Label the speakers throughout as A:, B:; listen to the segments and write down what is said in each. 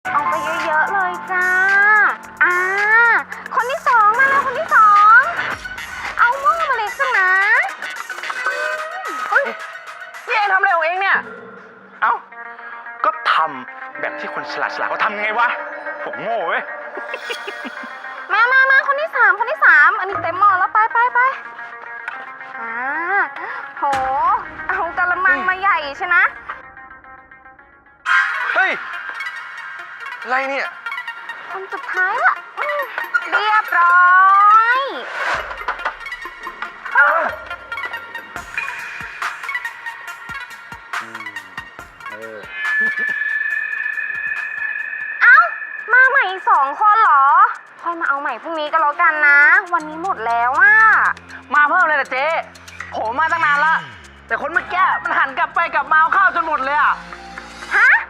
A: เอาไปเยอะๆเลยจ้าอ่าคนที่สองมาแล้วคนที่สองเอาหม้อมาเล็กสักนะ
B: พี่เองทำอะไรของเองเนี่ย
C: เอ้าก็ทำแบบที่คนฉลาดเขาทำไงวะผมโง่เว้ย
A: มาคนที่สามอันนี้เต็มหม้อแล้วไปโหเอากะละมังมาใหญ่ใช่นะ
C: เฮ้ยอะไรเนี่ย
A: คนสุดท้ายละเรียบร้อย เอ้ามาใหม่อีก2 คนเหรอค่อยมาเอาใหม่พรุ่งนี้ก็แล้วกันนะ วันนี้หมดแล้วอ่ะ
B: มาเพิ่มเลยนะเจ๊ผมมาตั้งนานละแต่คนเมื่อกี้มันหันกลับไปกลับมาเอาข้าวจนหมดเลยอ่ะ
A: ฮะ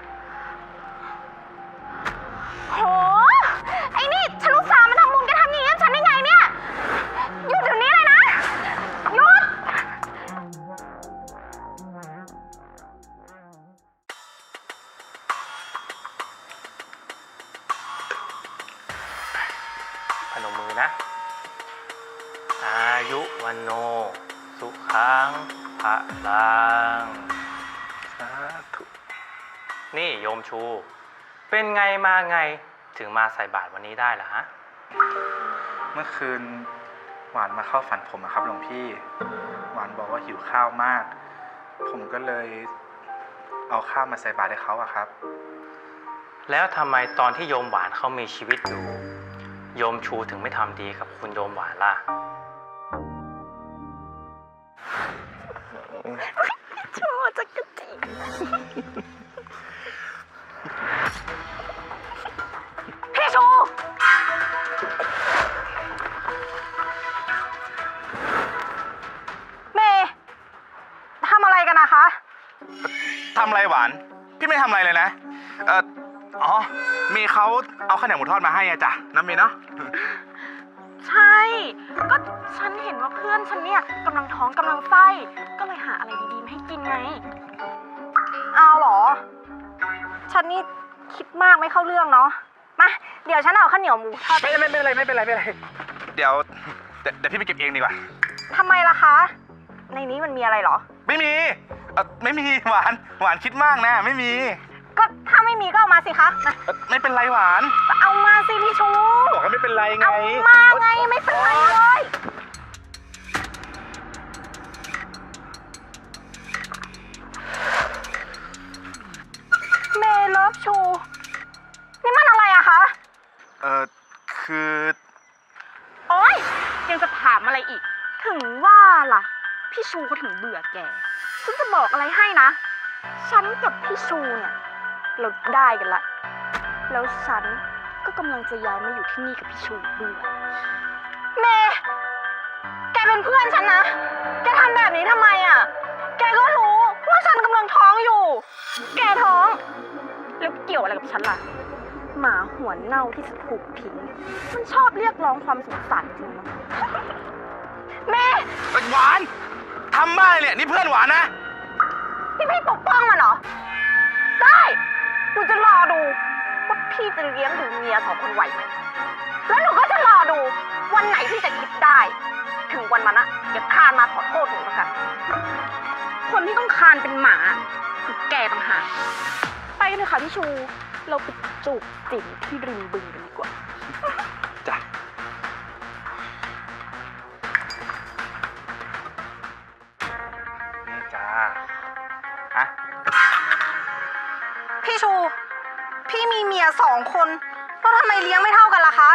A: โหไอ้นี่ฉันอุตส่าห์มาทำบุญแกทำอย่างนี้กับฉันได้ไงเนี่ยหยุดเดี๋ยวนี้เลยนะหยุด
C: พนมมือนะอายุวันโนสุขังพระลังสาธุนี่โยมชู เป็นไงมาไงถึงมาใส่บาตรวันนี้ได้ล่ะฮะเมื่อคืนหวานมาเข้าฝันผมครับหลวงพี่หวานบอกว่าหิวข้าวมากผมก็เลยเอาข้าวมาใส่บาตรให้เขาอะครับแล้วทำไมตอนที่โยมหวานเขามีชีวิตอยู่โยมชูถึงไม่ทำดีกับคุณโยมหวานล่ะ
A: ชอบจักรจีพี่ชูเมย์ทำอะไรกันนะคะ
C: ทำอะไรหวานพี่ไม่ทำอะไรเลยนะอ๋อเมย์เขาเอาข้าวเหนียวหมูทอดมาให้อะจ้ะน้ำเมย์เนาะ
A: ใช่ ก็ฉันเห็นว่าเพื่อนฉันเนี่ยกำลังท้องกำลังไส้ ก็เลยหาอะไรดีๆมาให้กินไงเอาเหรอ ฉันนี่คิดมากไม่เข้าเรื่องเนาะ มา เดี๋ยวฉันเอาข้าวเหนียวหมูทอด
C: ไม่เป็นไรเดี๋ยวพี่ไปเก็บเองดีกว่า
A: ทำไมล่ะคะ ในนี้มันมีอะไรเหรอ
C: ไม่มีหวานคิดมากนะไม่มี
A: ก็ถ้าไม่มีก็เอามาสิคะมา
C: ไม่เป็นไรหวาน
A: เอามาสิพี่ชู
C: บอกว่าไม่เป็นไรไง
A: เอามาไงไม่เป็นไรเลยเมเลิฟชู นี่มันอะไรอะคะ
C: คือ
A: โอ๊ยยังจะถามอะไรอีก ถึงว่าล่ะ พี่ชูเขาถึงเบื่อแก ฉันจะบอกอะไรให้นะ ฉันกับพี่ชูเนี่ยเราได้กันละ แล้วฉันก็กำลังจะย้ายมาอยู่ที่นี่กับพี่ชูด้วยเมย์แกเป็นเพื่อนฉันนะ แกทำแบบนี้ทำไมอ่ะ แกก็รู้ว่าฉันกำลังท้องอยู่ แกท้อง แล้วเกี่ยวอะไรกับฉันล่ะ หมาหัวเน่าที่จะถูกทิ้งมันชอบเรียกร้องความสงสารจริงมั้ยเมย์
C: หวานทำบ้าเนี่ยนี่เพื่อนหวานนะ
A: นี่พี่ปกป้องมันเหรอ ได้หนูจะรอดูว่าพี่จะเลี้ยงดูเมีย2 คนไหวไหมแล้วหนูก็จะรอดูวันไหนที่จะคิดได้ ถึงวันนั้นอะอย่าคานมาขอโทษหนูแล้วกันคนที่ต้องคานเป็นหมาคือแกต่างหากไปกันเถอะค่ะพี่ชู เราไปจูบจิ๋มที่ริมบึงกันดีกว่า
C: จ้ะนี่จ้าฮะ
A: พี่ชู พี่มีเมีย2 คนแล้วทำไมเลี้ยงไม่เท่ากันล่ะคะ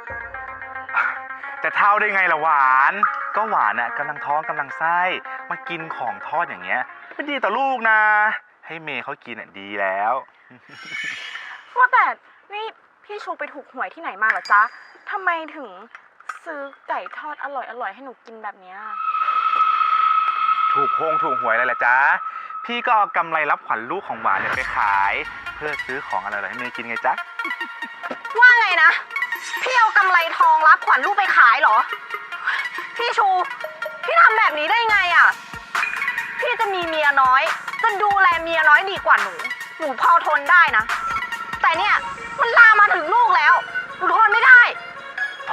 C: จะเท่าได้ไงล่ะหวานก็หวานน่ะกำลังท้องกำลังไส้มากินของทอดอย่างเงี้ยไม่ดีต่อลูกนะให้เมย์เขากินอ่ะดีแล้ว
A: ว่าแต่นี่พี่ชูไปถูกหวยที่ไหนมาเหรอจ๊ะทำไมถึงซื้อไก่ทอดอร่อยให้หนูกินแบบเนี้ย
C: ถูกหวยอะไรล่ะจ๊ะพี่ก็เอากำไรรับขวัญลูกของหวานเนี่ยไปขายเพื่อซื้อของอร่อยๆให้เมย์กินไงจ๊ะ
A: ว่าไงนะ พี่เอากำไรทองรับขวัญลูกไปขายเหรอ พี่ชู พี่ทำแบบนี้ได้ไงอ่ะ พี่จะมีเมียน้อย จะดูแลเมียน้อยดีกว่าหนูพอทนได้นะ แต่เนี่ยมัน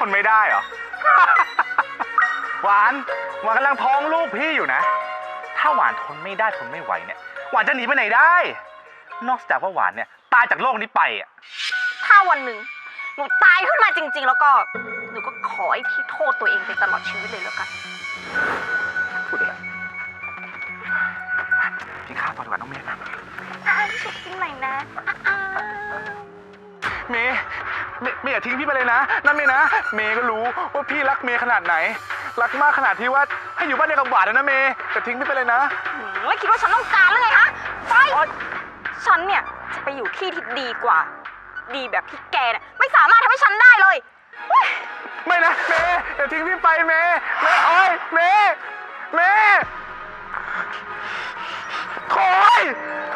D: นไม่ได้เหรอ หวานกำลังท้องลูกพี่อยู่นะ ถ้าหวานทนไม่ได้ทนไม่ไหวเนี่ย หวานจะหนีไปไหนได้ นอกจากว่าหวานเนี่ยตายจากโลกนี้ไปอ่ะ
A: ถ้าวันหนึ่งหนูตายขึ้นมาจริง ๆ แล้วก็หนูก็ขอให้พี่โทษตัวเองไปตลอดชีวิตเลยแล้วกัน
D: พูดอะไรกินข้าวต่อดีกว่าน้องเมย์นะ
A: ฉุกกินหน่อยนะอ้าว
D: เมย์อย่าทิ้งพี่ไปเลยนะนั่นเมย์นะ เมย์ก็รู้ว่าพี่รักเมย์ขนาดไหน รักมากขนาดที่ว่าให้อยู่บ้านเดียวกับหวานเลยนะเมย์แต่ทิ้งพี่ไปเลยนะ
A: ไม่คิดว่าฉันต้องการหรือไงฮะไปฉันเนี่ยจะไปอยู่ที่ที่ดีกว่า ดีแบบที่แกเนี่ยไม่สามารถทำให้ฉันได้เลยเฮ้ย
D: ไม่นะเมย์อย่าทิ้งพี่ไปเมย์โอ๊ยเมย์โอ๊ย